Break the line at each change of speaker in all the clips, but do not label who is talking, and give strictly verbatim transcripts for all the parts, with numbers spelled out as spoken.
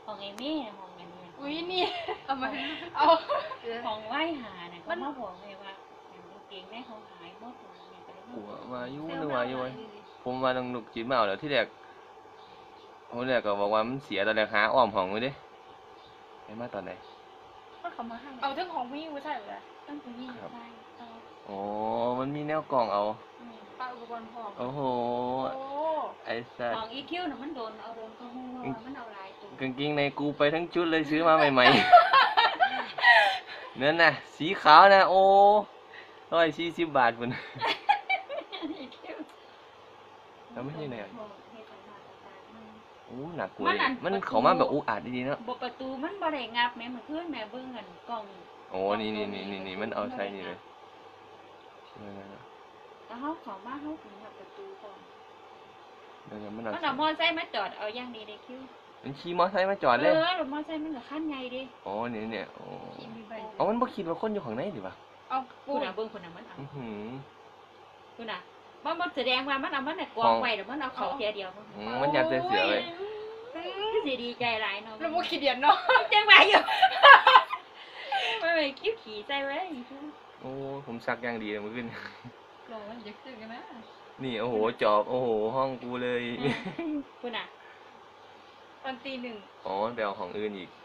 ของไอ้แม่ห้องกันเนี่ย
อุ้ยนี่เอามาเอา
ของไหว้หาเนี่ยมันมาบอกเลยว่าเก่งแม่เขาหายหมดเนี่ยก็เลย
กูว่าอยู่นึกว่าอยู่ผมว่าต้องลูกจิตมาเอาแล้วที่แรกผมแรกก็บอกว่ามันเสียตอนแรกหาอ้อมห้องไว้ดิไปมาตอนไหน
ก็เขามาให้เอาทั้งของพี่ผู้ชายเลย
ตั้งแต่ยี่สิบได้เอา
โอ้มันมีแนวกล่องเอา
ป้าอุปกรณ์พร้อม
โอ้โห
โอ้
ไอ้สัส
ของอีคิวน่ะมันโดนเอาโดนก็หูว่ามันเอาลายตัว
กางเกงในกูไปทั้งชุดเลยซื้อมาใหม่ๆ นั่นน่ะสีขาวนะโอ้ร้อยสี่สิบบาทพุ่นแล้วไม่ใช่ไหนอ่ะโอ้หนักกว่าเลยมันเขามาแบบอุกอาจดีๆเนาะ
บประตูมันบ่ได้งับแม่มันขึ้นแม่เบิ่งกันกล่อง
โอ้นี่นี่นี่นี่นี่มันเอาใช้นี่เลยเออ
แล้วเขาขอมาเขาถึงงับประตูก่อน
เดี๋ยวมันเอา
มันเอามอไซค์มาจอดเอาอย่างดีได้คิว
มันขี่มอไซค์มาจอด
เอ
เลย
อรถมอไซค์มันก็ขั้นใหญ่ดิ
โอ้เนี่ยเนี่ยโอ้
มีใบ
เอามันบ่คิดว่าคนอยู่ข้างในดิวะ
เอา
คุ
ปู
ณน่ะเบิ่งคนน่ะมันเอา
อื้อหือ
คุณน่ะมันมันแสดงว่ามันเอามันน่ะกองไว้แล้วมันเอาเขาเทียเดียวมัน
อืมมันยัดใส่เสือเลย
คือสิดีใจหลายเนาะ
แล้วพวกขี้เดียนเนาะ
จังหวะอยู่ไม่ไปคิ้วขี่ใจไว้
โอ้ผมซักอย่างดีเลยเมื่อคืน
ลงมันจะขึ้นกันนะ
นี่โอ้โหจอบโอ้โหห้องกูเลย
คุณน่ะ
ตอนตีหนึ่ง
อ๋อไปเอาของอื่นอีก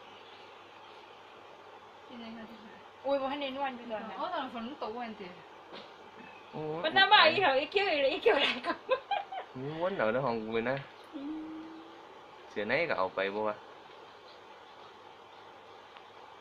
ที่ไหนกันที่ไหนอุ้ยพอให้เน้นวันอยู่ตอนนั้นอ๋อตอนฝนตกวันตี
โอ้
มันน่าบ่อีเขาอีคิ้วอีคิ้วอะไรก็
ม้วนเอาในห้องกูเลยนะเสือไหนก็เอาไปบ่วะ